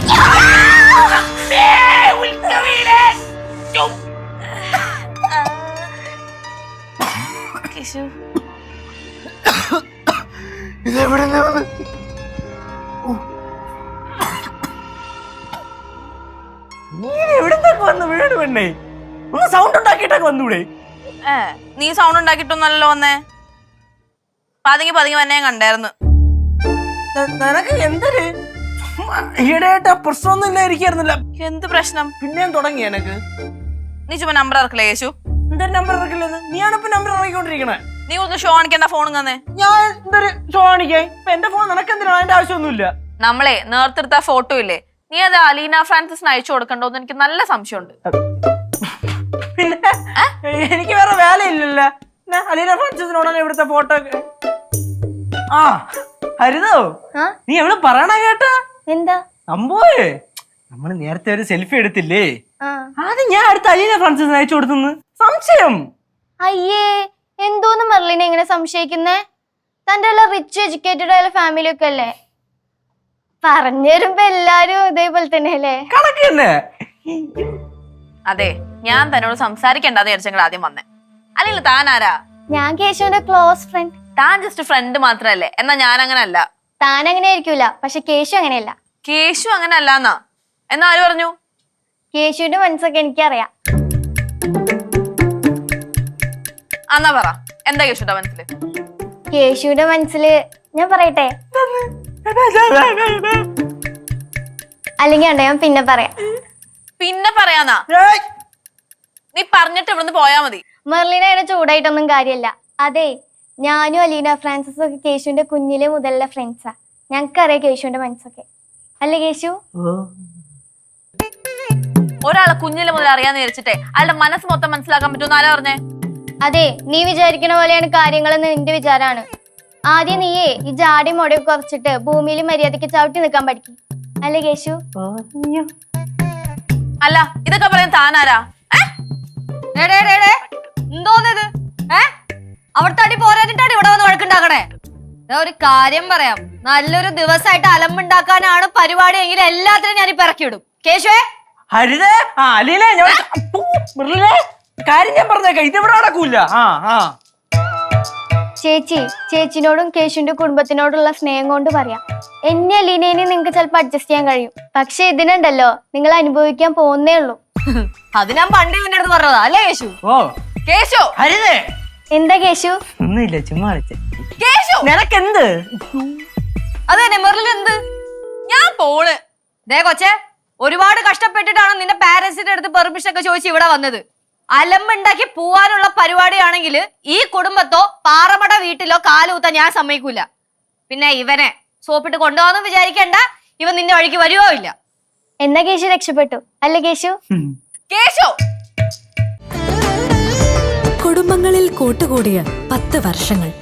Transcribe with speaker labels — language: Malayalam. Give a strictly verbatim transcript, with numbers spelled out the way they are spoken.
Speaker 1: കേശു
Speaker 2: ഇതെവിടെ എവിടത്തൊക്കെ വന്നു വീട് പെണ്ണേ ഒന്ന് സൗണ്ട് ഉണ്ടാക്കിയിട്ടൊക്കെ വന്നൂടെ?
Speaker 1: ഏ നീ സൗണ്ട് ഉണ്ടാക്കിയിട്ടൊന്നല്ലോ വന്നേ. പതുങ്ങി പതുങ്ങി വന്നെ ഞാൻ കണ്ടായിരുന്നു.
Speaker 2: നിനക്ക് എന്തൊരു ഈടായിട്ട് പ്രശ്നമൊന്നും ഇല്ലായിരിക്കായിരുന്നില്ല.
Speaker 1: എന്ത് പ്രശ്നം?
Speaker 2: പിന്നെയും തുടങ്ങി എനക്ക്.
Speaker 1: നീ ചുമ്മാ നമ്പർ ഇറക്കില്ലേ യേശു?
Speaker 2: എന്തൊരു നമ്പർ ഇറക്കില്ലെന്ന്? നീയാണിപ്പോ നമ്പർ ഇറക്കിക്കൊണ്ടിരിക്കണേ.
Speaker 1: നീ ഒന്ന് ഷോ കാണിക്കണ്ട ഫോൺ തന്നെ.
Speaker 2: ഞാൻ എന്തൊരു ഷോ കാണിക്കേ? ഇപ്പൊ എന്റെ ഫോൺ നിനക്ക് എന്തിനാ? അതിന്റെ ആവശ്യമൊന്നുമില്ല.
Speaker 1: നമ്മളെ നേർത്തെടുത്ത ഫോട്ടോ ഇല്ലേ, നീ അത് അലീന ഫ്രാൻസിസിന് അയച്ചു കൊടുക്കണ്ടോന്ന് എനിക്ക് നല്ല സംശയമുണ്ട്.
Speaker 2: പിന്നെ എനിക്ക് വേറെ വേലയില്ലല്ലോ. അലീന ഫ്രാൻസിസിനോടാണ് ഇവിടുത്തെ ഫോട്ടോ. ആ ഹരിതോ, നീ എവിടെ പറയണ കേട്ടാ?
Speaker 3: എന്താ
Speaker 2: സംഭവേ, നമ്മള് നേരത്തെ ഒരു സെൽഫി എടുത്തില്ലേ, അത് ഞാൻ അടുത്ത അലീന ഫ്രാൻസിസിന് അയച്ചു കൊടുത്തെന്ന് സംശയം.
Speaker 3: അയ്യേ, എന്തോന്ന് മെർലിനെ ഇങ്ങനെ സംശയിക്കുന്നേ? തന്റെ റിച്ച് എഡ്യൂക്കേറ്റഡ് ആയ ഫാമിലി ഒക്കെ അല്ലേ? പറഞ്ഞു തരുമ്പോ എല്ലാരും ഇതേപോലെ തന്നെ അല്ലേ?
Speaker 2: കണക്ക് തന്നെ.
Speaker 1: അതെ, ഞാൻ തന്നോട് സംസാരിക്കണ്ടെന്ന് വിചാരിച്ചെങ്കിൽ ആദ്യം വന്നേ. അല്ലെങ്കിൽ താൻ ആരാ?
Speaker 3: ഞാൻ കേശുവിന്റെ ക്ലോസ് ഫ്രണ്ട്.
Speaker 1: താൻ ജസ്റ്റ് ഫ്രണ്ട് മാത്രല്ലേ, എന്നാ ഞാൻ അങ്ങനെ അല്ല.
Speaker 3: താൻ അങ്ങനെ ആയിരിക്കൂല, പക്ഷെ കേശു അങ്ങനെയല്ല.
Speaker 1: കേശു അങ്ങനെ അല്ലാന്നാ? എന്നാ ആര് പറഞ്ഞു?
Speaker 3: കേശുവിന്റെ മനസ്സൊക്കെ എനിക്കറിയാം.
Speaker 1: എന്നാ പറ, എന്താ കേശുവിന്റെ മനസ്സില്?
Speaker 3: കേശുവിന്റെ മനസ്സില് ഞാൻ പറയട്ടെ? അല്ലെങ്കിൽ ഉണ്ടോ ഞാൻ പിന്നെ പറയാം.
Speaker 1: പിന്നെ പറയാന്നാ? നീ പറഞ്ഞിട്ട് ഇവിടുന്ന് പോയാ മതി.
Speaker 3: മെർലിന അതിനെ ചൂടായിട്ടൊന്നും കാര്യമില്ല. അതെ, ഞാനും അലീന ഫ്രാൻസിസും ഒക്കെ കേശുവിന്റെ കുഞ്ഞിലെ മുതലുള്ള ഫ്രണ്ട്സാ. ഞങ്ങൾക്കറിയാം കേശുവിന്റെ മനസ്സൊക്കെ. അല്ലേ കേശു?
Speaker 1: ഒരാളെ കുഞ്ഞിലെ മുതൽ അറിയാന്ന് വിചാരിച്ചിട്ടേ അയാളുടെ മനസ്സ് മൊത്തം മനസ്സിലാക്കാൻ പറ്റുമെന്ന് ആരാ പറഞ്ഞേ?
Speaker 3: അതെ, നീ വിചാരിക്കണ പോലെയാണ് കാര്യങ്ങളെന്ന് നിന്റെ വിചാരാണ്. ആദ്യം നീയേ ഈ ജാടി മുടയൊക്കെ കുറച്ചിട്ട് ഭൂമിയിൽ മര്യാദയ്ക്ക് ചവിട്ടി നിൽക്കാൻ പഠിക്കും. അല്ലേ കേശു?
Speaker 1: അല്ല, ഇതൊക്കെ പറയാൻ താനാരാ?
Speaker 4: എന്തോന്നത്? ഏ അവിടുത്തെ അടി പോരാഞ്ഞിട്ടാണ് ഇവിടെ വന്ന് വഴക്കുണ്ടാക്കണേ? ഒരു കാര്യം പറയാം, നല്ലൊരു ദിവസമായിട്ട് അലമ്പുണ്ടാക്കാനാണ് പരിപാടി എങ്കിൽ എല്ലാത്തിനും ഞാൻ ഇപ്പൊ ഇറക്കി വിടും. കേശുവേ,
Speaker 2: ഹരിതേ, ആ അലീന, കാര്യം ഞാൻ പറഞ്ഞേക്കാം, ഇതെവിടെ നടക്കൂല. ആ ആ
Speaker 3: ചേച്ചി, ചേച്ചിനോടും കേശുവിന്റെ കുടുംബത്തിനോടുള്ള സ്നേഹം കൊണ്ട് പറയാം, എന്നെ അലീനേനെ നിങ്ങക്ക് ചിലപ്പോ അഡ്ജസ്റ്റ് ചെയ്യാൻ കഴിയും. പക്ഷെ ഇതിനുണ്ടല്ലോ, നിങ്ങൾ അനുഭവിക്കാൻ പോകുന്നേ ഉള്ളൂ.
Speaker 4: അത് ഞാൻ പണ്ടേ നിന്റെ അടുത്ത് പറഞ്ഞതാ അല്ലേ കേശു?
Speaker 2: ഓ
Speaker 1: കേശു,
Speaker 2: ഹരിതേ.
Speaker 3: എന്താ കേശു?
Speaker 2: ഒന്നുമില്ല, ചുമ്മാ വിളിച്ചേ.
Speaker 1: കേശു,
Speaker 2: നിനക്കെന്ത്?
Speaker 4: അത് തന്നെ മെറിൽ എന്ത്?
Speaker 1: ഞാൻ പോണ്.
Speaker 4: ദേ കൊച്ചെ, ഒരുപാട് കഷ്ടപ്പെട്ടിട്ടാണ് നിന്റെ പാരന്റ്സിന്റെ അടുത്ത് പെർമിഷൻ ഒക്കെ ചോദിച്ച് ഇവിടെ വന്നത്. അലമ്പുണ്ടാക്കി പോവാനുള്ള പരിപാടിയാണെങ്കിൽ ഈ കുടുംബത്തോ പാറമട വീട്ടിലോ കാലൂത്താൻ ഞാൻ സമ്മതിക്കൂല. പിന്നെ ഇവനെ സോപ്പിട്ട് കൊണ്ടുപോകാന്ന് വിചാരിക്കണ്ട, ഇവൻ നിന്റെ വഴിക്ക് വരുവോ ഇല്ല.
Speaker 3: എന്നാ കേശു രക്ഷപ്പെട്ടു അല്ലേ കേശു?
Speaker 1: കേശു,
Speaker 5: കുടുംബങ്ങളിൽ കൂട്ടുകൂടിയ പത്ത് വർഷങ്ങൾ.